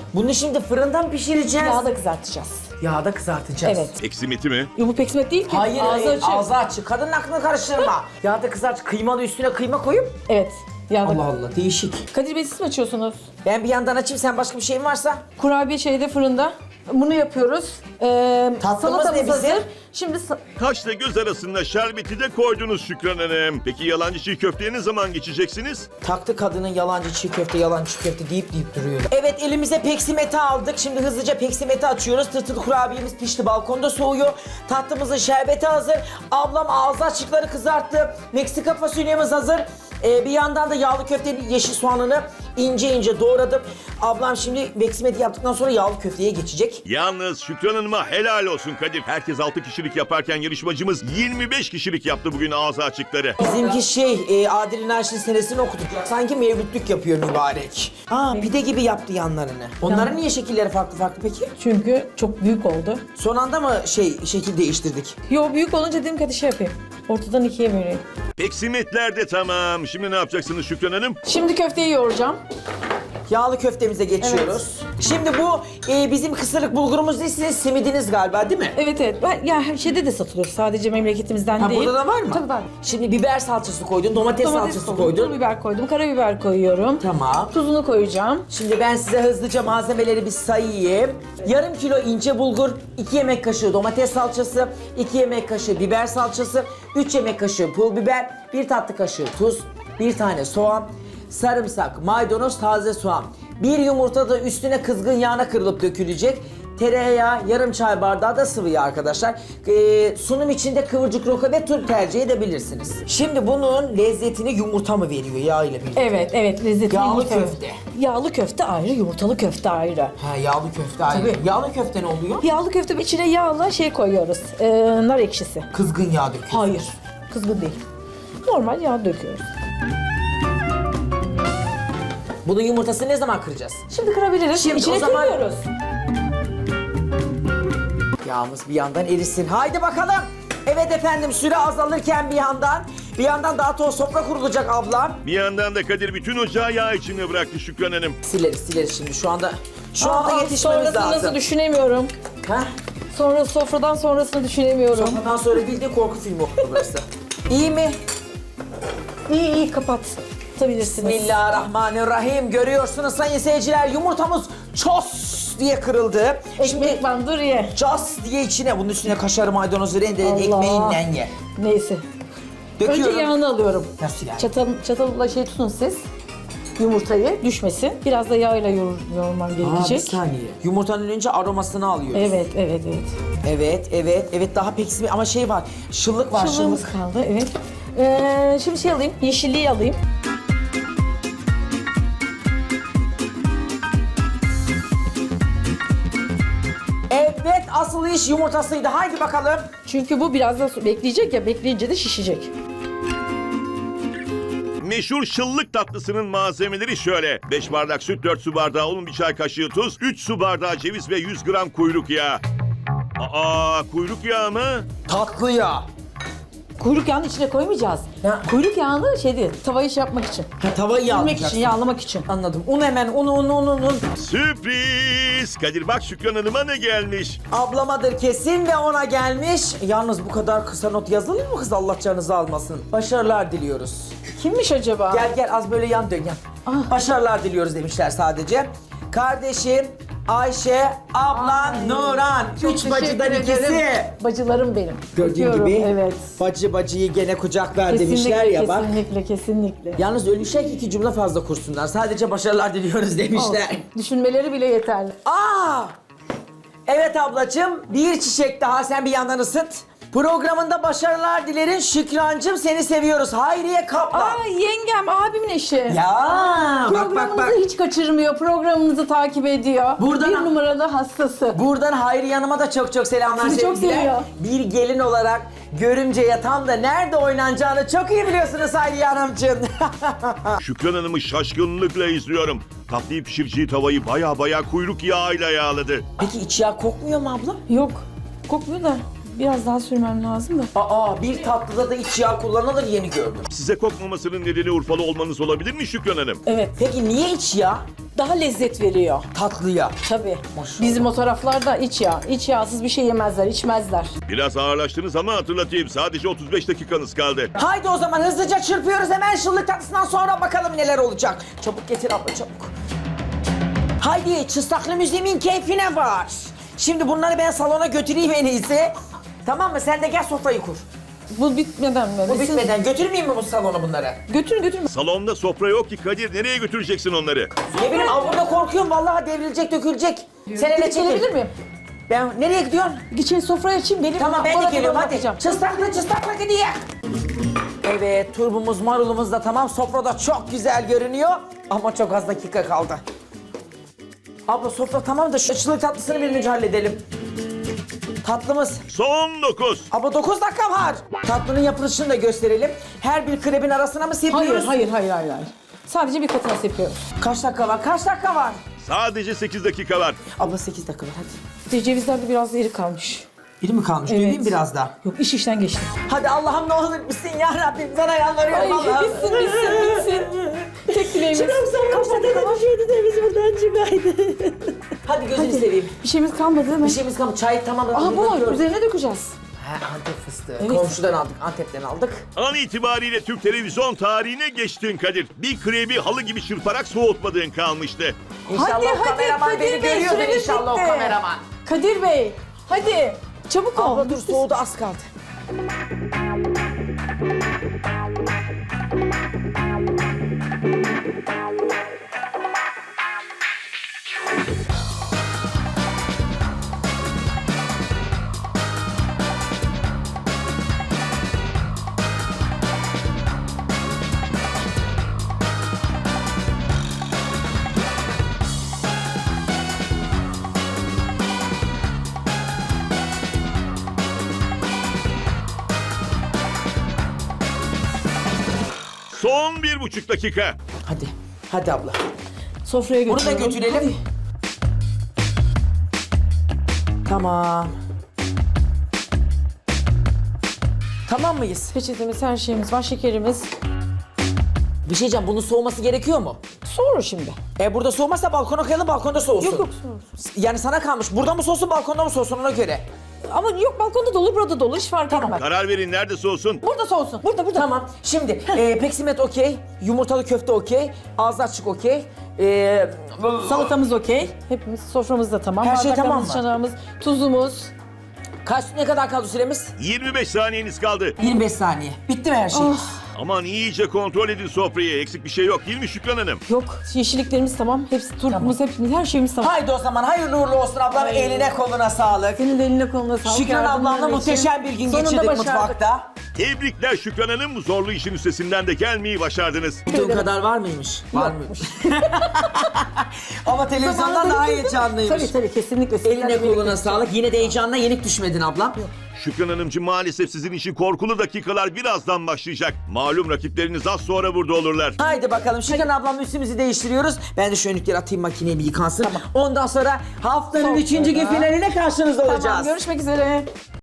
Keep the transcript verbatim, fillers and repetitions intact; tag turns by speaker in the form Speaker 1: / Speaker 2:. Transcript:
Speaker 1: Bunu şimdi fırından pişireceğiz.
Speaker 2: Yağda kızartacağız.
Speaker 1: Yağda kızartacağız.
Speaker 2: Evet.
Speaker 3: Eksimiti mi?
Speaker 2: Yo, bu peksimet değil ki.
Speaker 1: Hayır,
Speaker 2: Ağzı
Speaker 1: ağzı
Speaker 2: açık.
Speaker 1: açık. Ağzı açık. Kadının aklını karıştırma. Yağda kızart, kıymalı üstüne kıyma koyup.
Speaker 2: Evet. Yağda.
Speaker 1: Allah Allah, değişik.
Speaker 2: Kadir Bey siz mi açıyorsunuz?
Speaker 1: Ben bir yandan açayım, sen başka bir şeyin varsa.
Speaker 2: Kurabiye şeyde fırında. Bunu yapıyoruz. Ee,
Speaker 1: Tatlımız
Speaker 2: salatamız
Speaker 1: ne bizim?
Speaker 2: hazır. Şimdi sa-
Speaker 3: Kaşla göz arasında şerbeti de koydunuz Şükran Hanım. Peki yalancı çiğ köfteye ne zaman geçeceksiniz?
Speaker 1: Taktı kadının yalancı çiğ köfte, yalancı çiğ köfte deyip deyip duruyor. Evet, elimize peksimeti aldık. Şimdi hızlıca peksimeti açıyoruz. Tırtıl kurabiyemiz pişti, balkonda soğuyor. Tatlımızın şerbeti hazır. Ablam ağzı açıkları kızarttı. Meksika fasulyemiz hazır. Ee, bir yandan da yağlı köftenin yeşil soğanını ince ince doğradım. Ablam şimdi peksimeti yaptıktan sonra yağlı köfteye geçecek.
Speaker 3: Yalnız Şükran Hanım'a helal olsun Kadir. Herkes altı kişilik yaparken yarışmacımız yirmi beş kişilik yaptı bugün ağzı açıkları.
Speaker 1: Bizimki şey, e, Adil Naş'ın senesini okuduk. Sanki mevlütlük yapıyor mübarek. Aa, pide gibi yaptı yanlarını. Onların niye şekilleri farklı farklı peki?
Speaker 2: çünkü çok büyük oldu.
Speaker 1: Son anda mı şey şekil değiştirdik?
Speaker 2: Yo, büyük olunca dedim ki hadi şey yapayım. Ortadan ikiye böleyim.
Speaker 3: Peksimetler de tamam. Şimdi ne yapacaksınız Şükran Hanım?
Speaker 2: Şimdi köfteyi yoğuracağım.
Speaker 1: Yağlı köftemize geçiyoruz. Şimdi bu e, bizim kısırlık bulgurumuz değil, sizin simidiniz galiba değil mi?
Speaker 2: Evet evet. Ben, ya her şeyde de satılıyor. Sadece memleketimizden
Speaker 1: Ha,
Speaker 2: değil.
Speaker 1: burada da var mı?
Speaker 2: Tabii var.
Speaker 1: Şimdi biber salçası koydun, domates,
Speaker 2: Domates
Speaker 1: salçası
Speaker 2: koydum, pul
Speaker 1: koydun.
Speaker 2: biber koydum, karabiber koyuyorum.
Speaker 1: Tamam.
Speaker 2: Tuzunu koyacağım.
Speaker 1: Şimdi ben size hızlıca malzemeleri bir sayayım. Yarım kilo ince bulgur, iki yemek kaşığı domates salçası, iki yemek kaşığı biber salçası, üç yemek kaşığı pul biber, bir tatlı kaşığı tuz, bir tane soğan, sarımsak, maydanoz, taze soğan. Bir yumurta da üstüne kızgın yağına kırılıp dökülecek. Tereyağı, yarım çay bardağı da sıvı yağ arkadaşlar. Ee, sunum içinde kıvırcık roka ve tuz tercih edebilirsiniz. Şimdi bunun lezzetini yumurta mı veriyor yağ ile birlikte?
Speaker 2: Evet evet, lezzetli
Speaker 1: Yağlı
Speaker 2: yumurta.
Speaker 1: köfte.
Speaker 2: Yağlı köfte ayrı, yumurtalı köfte ayrı.
Speaker 1: Ha, yağlı köfte ayrı.
Speaker 2: Tabii.
Speaker 1: Yağlı köfte ne oluyor?
Speaker 2: Yağlı köfte içine yağla şey koyuyoruz. Ee, nar ekşisi.
Speaker 1: Kızgın yağ döküyorsun.
Speaker 2: Hayır, kızgın değil. Normal yağ döküyoruz.
Speaker 1: Bunun yumurtasını ne zaman kıracağız?
Speaker 2: Şimdi kırabiliriz.
Speaker 1: Şimdi
Speaker 2: İçine
Speaker 1: o zaman-
Speaker 2: kırmıyoruz.
Speaker 1: Yağımız bir yandan erisin. Haydi bakalım. Evet efendim, süre azalırken bir yandan, bir yandan daha toz sofra kurulacak ablam.
Speaker 3: Bir yandan da Kadir bütün ocağı yağ içine bıraktı Şükran Hanım.
Speaker 1: Sileriz sileriz şimdi şu anda. Şu
Speaker 2: Aa,
Speaker 1: anda yetişmemiz
Speaker 2: sonrasını
Speaker 1: lazım.
Speaker 2: nasıl düşünemiyorum.
Speaker 1: Ha?
Speaker 2: Sonra sofradan sonrasını düşünemiyorum.
Speaker 1: Ondan sonra bildiğin korku filmi oldu burası. İyi mi?
Speaker 2: İyi iyi kapat. Tutabilirsiniz.
Speaker 1: Bismillahirrahmanirrahim. Görüyorsunuz sayın seyirciler, yumurtamız ços diye kırıldı.
Speaker 2: Ekmek bandır ye.
Speaker 1: Cas diye içine, bunun üstüne kaşar maydanozu rendeleyin,
Speaker 2: Allah.
Speaker 1: ekmeğinle ye.
Speaker 2: Neyse.
Speaker 1: Döküyorum.
Speaker 2: Önce yağını alıyorum.
Speaker 1: Nasıl yani?
Speaker 2: Çatal, çatalla şey tutun siz. Yumurtayı düşmesin. Biraz da yağıyla yoğur, yoğurman
Speaker 1: Aa, bir
Speaker 2: gerekecek.
Speaker 1: saniye. Yumurtanın önce aromasını alıyoruz.
Speaker 2: Evet, evet, evet.
Speaker 1: Evet, evet, evet, daha pek ama şey var, şıllık var,
Speaker 2: Şıllığımız
Speaker 1: şıllık.
Speaker 2: kaldı, evet. Ee, şimdi şey alayım, yeşilliği alayım.
Speaker 1: Evet, asıl iş yumurtasıydı. Haydi bakalım.
Speaker 2: Çünkü bu biraz da su- bekleyecek ya, bekleyince de şişecek.
Speaker 3: Meşhur şıllık tatlısının malzemeleri şöyle. beş bardak süt, dört su bardağı un, bir çay kaşığı tuz, üç su bardağı ceviz ve yüz gram kuyruk yağı. Aa, kuyruk yağı mı?
Speaker 1: Tatlı ya.
Speaker 2: Kuyruk yağını içine koymayacağız.
Speaker 1: Ya.
Speaker 2: Kuyruk yağını şey değil, tavayı şey yapmak için.
Speaker 1: Ha, tavayı
Speaker 2: Yemek
Speaker 1: yağlayacaksın.
Speaker 2: için, yağlamak için.
Speaker 1: Anladım. Un hemen, un, un, un, un, un.
Speaker 3: Sürpriz! Kadir bak Şükran Hanım'a ne gelmiş?
Speaker 1: Ablamadır kesin ve ona gelmiş. Yalnız bu kadar kısa not yazılır mı kız, Allah canınızı almasın. Başarılar diliyoruz.
Speaker 2: Kimmiş acaba?
Speaker 1: Gel gel, az böyle yan dön yan.
Speaker 2: Ah.
Speaker 1: Başarılar diliyoruz demişler sadece. Kardeşim Ayşe, ablan
Speaker 2: Ay,
Speaker 1: Nuran.
Speaker 2: çok
Speaker 1: Üç bacıdan
Speaker 2: teşekkür
Speaker 1: ikisi.
Speaker 2: ederim. Bacılarım benim.
Speaker 1: Gördüğün
Speaker 2: Öpüyorum,
Speaker 1: gibi
Speaker 2: evet.
Speaker 1: bacı bacıyı gene kucak ver
Speaker 2: Kesinlikle,
Speaker 1: demişler ya bak.
Speaker 2: kesinlikle, kesinlikle.
Speaker 1: Yalnız ölmüşler ki iki cümle fazla kursunlar. Sadece başarılar diliyoruz demişler.
Speaker 2: Olsun. Düşünmeleri bile yeterli.
Speaker 1: Aa! Evet ablacığım, bir çiçek daha, sen bir yandan ısıt. Programında başarılar dilerim Şükrancığım, seni seviyoruz. Hayriye Kaplan.
Speaker 2: Aa, yengem, abimin eşi.
Speaker 1: Ya bak bak
Speaker 2: Programınızı
Speaker 1: bak.
Speaker 2: hiç kaçırmıyor, programınızı takip ediyor.
Speaker 1: Buradan-
Speaker 2: Bir numaralı hastası.
Speaker 1: Buradan Hayriye Hanım'a da çok çok selamlar,
Speaker 2: Sizi çok
Speaker 1: sevgiler.
Speaker 2: seviyor.
Speaker 1: Bir gelin olarak görümceye tam da nerede oynanacağını çok iyi biliyorsunuz Hayriye Hanımcığım.
Speaker 3: Şükran Hanım'ı şaşkınlıkla izliyorum. Tatlıyı pişireceği tavayı baya baya kuyruk yağıyla yağladı.
Speaker 1: Peki iç yağ kokmuyor mu abla?
Speaker 2: Yok, kokmuyor da biraz daha sürmem lazım da.
Speaker 1: Aa, bir tatlıda da iç yağ kullanılır, yeni gördüm.
Speaker 3: Size kokmamasının nedeni Urfalı olmanız olabilir mi Şükran Hanım?
Speaker 2: Evet.
Speaker 1: Peki niye iç yağ?
Speaker 2: daha lezzet veriyor.
Speaker 1: Tatlıya.
Speaker 2: Tabii.
Speaker 1: Maşallah.
Speaker 2: Bizim o taraflarda iç yağ. İç yağsız bir şey yemezler, içmezler.
Speaker 3: Biraz ağırlaştınız ama hatırlatayım. Sadece otuz beş dakikanız kaldı.
Speaker 1: Haydi o zaman hızlıca çırpıyoruz. Hemen şıllık tatlısından sonra bakalım neler olacak. Çabuk getir abla çabuk. Haydi çıstaklı müziğimin keyfine var. Şimdi bunları ben salona götüreyim en iyisi. Tamam mı? Sen de gel sofrayı kur.
Speaker 2: Bu bitmeden mi?
Speaker 1: Bu
Speaker 2: Biz-
Speaker 1: bitmeden götürmeyeyim mi bu salona bunları?
Speaker 2: Götürün götürün.
Speaker 3: Salonda sofra yok ki Kadir. Nereye götüreceksin onları?
Speaker 1: Ne bileyim al burada korkuyorum. Vallahi devrilecek, dökülecek. Sen hele çekil.
Speaker 2: Gelebilir miyim?
Speaker 1: Ben nereye gidiyorsun?
Speaker 2: Geçen sofraya açayım. Gelin.
Speaker 1: Tamam ben de
Speaker 2: Orada
Speaker 1: geliyorum hadi.
Speaker 2: bakacağım.
Speaker 1: Çıstaklı çıstaklı gidiyor. Evet turbumuz marulumuz da tamam. Sofrada çok güzel görünüyor. Ama çok az dakika kaldı. Abla sofra tamam da şu çıllık tatlısını bir önce halledelim. Tatlımız.
Speaker 3: Son dokuz.
Speaker 1: Abla dokuz dakika var. Tatlının yapılışını da gösterelim. Her bir krebin arasına mı sepiyoruz?
Speaker 2: Hayır, hayır, hayır, hayır, hayır. Sadece bir katına sepiyoruz.
Speaker 1: Kaç dakika var? Kaç dakika var?
Speaker 3: Sadece sekiz dakika var.
Speaker 1: Abla sekiz dakika var hadi.
Speaker 2: İşte cevizler de biraz iri kalmış.
Speaker 1: Biri mi kalmış?
Speaker 2: Evet.
Speaker 1: Döveyim biraz daha.
Speaker 2: Yok, iş işten geçti.
Speaker 1: Hadi Allah'ım ne olur bitsin ya Rabbim. Sana yalvarıyorum
Speaker 2: Ay
Speaker 1: Allah'ım.
Speaker 2: bitsin, bitsin, bitsin. Tek dileğimiz.
Speaker 1: Kaç dakika var? de biz buradan çıkaydı. Hadi gözünü seveyim.
Speaker 2: Bir şeyimiz kalmadı değil mi?
Speaker 1: Bir şeyimiz kalmadı. Çay tamam.
Speaker 2: Aha bu var. Üzerine dökeceğiz.
Speaker 1: Ha, Antep fıstığı.
Speaker 2: Evet.
Speaker 1: Komşudan aldık. Antep'ten aldık.
Speaker 3: An itibariyle Türk televizyon tarihine geçtin Kadir. Bir krebi halı gibi çırparak soğutmadığın kalmıştı.
Speaker 1: İnşallah o kameraman
Speaker 2: Kadir
Speaker 1: beni
Speaker 2: Bey,
Speaker 1: görüyordur
Speaker 2: süremiz
Speaker 1: inşallah o
Speaker 2: bitti.
Speaker 1: kameraman.
Speaker 2: Kadir Bey, hadi. Çabuk ol.
Speaker 1: Abla dur soğudu az kaldı.
Speaker 3: Son bir buçuk dakika.
Speaker 1: Hadi. Hadi abla.
Speaker 2: Sofraya
Speaker 1: Bunu da
Speaker 2: götürelim.
Speaker 1: götürelim. Tamam. Tamam mıyız?
Speaker 2: Peçetemiz, her şeyimiz var, şekerimiz.
Speaker 1: Bir şey diyeceğim, bunun soğuması gerekiyor mu?
Speaker 2: Soğur şimdi.
Speaker 1: E burada soğumazsa balkona koyalım, balkonda soğusun.
Speaker 2: Yok yok soğur.
Speaker 1: Yani sana kalmış. Burada mı soğusun, balkonda mı soğusun ona göre.
Speaker 2: Ama yok, balkonda da olur, burada da olur. Hiç fark etmez.
Speaker 3: Karar verin nerede soğusun?
Speaker 2: Burada soğusun. Burada, burada.
Speaker 1: Tamam. Şimdi e, peksimet okey, yumurtalı köfte okey, ağzı açık okey. E,
Speaker 2: Salatamız okey. Hepimiz soframız da tamam.
Speaker 1: Her şey tamam
Speaker 2: Bardaklarımız,
Speaker 1: mı?
Speaker 2: çanağımız, tuzumuz.
Speaker 1: kaç ne kadar kaldı süremiz?
Speaker 3: yirmi beş saniyeniz kaldı.
Speaker 1: yirmi beş saniye. Bitti mi her şey?
Speaker 2: Ah.
Speaker 3: Aman iyice kontrol edin sofrayı. Eksik bir şey yok değil mi Şükran Hanım?
Speaker 2: Yok, yeşilliklerimiz tamam. Hepsi turpumuz, hepimiz, her şeyimiz tamam.
Speaker 1: Haydi o zaman hayırlı uğurlu olsun ablam.
Speaker 2: Ay.
Speaker 1: Eline koluna sağlık.
Speaker 2: Senin de eline koluna sağlık.
Speaker 1: Şükran
Speaker 2: yardımların
Speaker 1: ablamla
Speaker 2: için.
Speaker 1: muhteşem bir gün
Speaker 2: Sonunda
Speaker 1: geçirdik
Speaker 2: başardık.
Speaker 1: mutfakta.
Speaker 3: Tebrikler Şükran Hanım. Zorlu işin üstesinden de gelmeyi başardınız.
Speaker 1: Bütün kadar var mıymış? Var
Speaker 2: Yokmuş.
Speaker 1: mıymış? Ama televizyondan daha heyecanlıymış.
Speaker 2: Tabii tabii, kesinlikle.
Speaker 1: Eline koluna sağlık. Yine de heyecanla yenik düşmedin ablam.
Speaker 3: Şükran Hanımcığım maalesef sizin için korkulu dakikalar birazdan başlayacak. Malum rakipleriniz az sonra burada olurlar.
Speaker 1: Haydi bakalım Şükran ablam üstümüzü değiştiriyoruz. Ben de şu önlükleri atayım makineye bir yıkansın. Ondan sonra haftanın
Speaker 2: Sonra.
Speaker 1: üçüncü gün finaline karşınızda olacağız.
Speaker 2: Tamam, görüşmek üzere.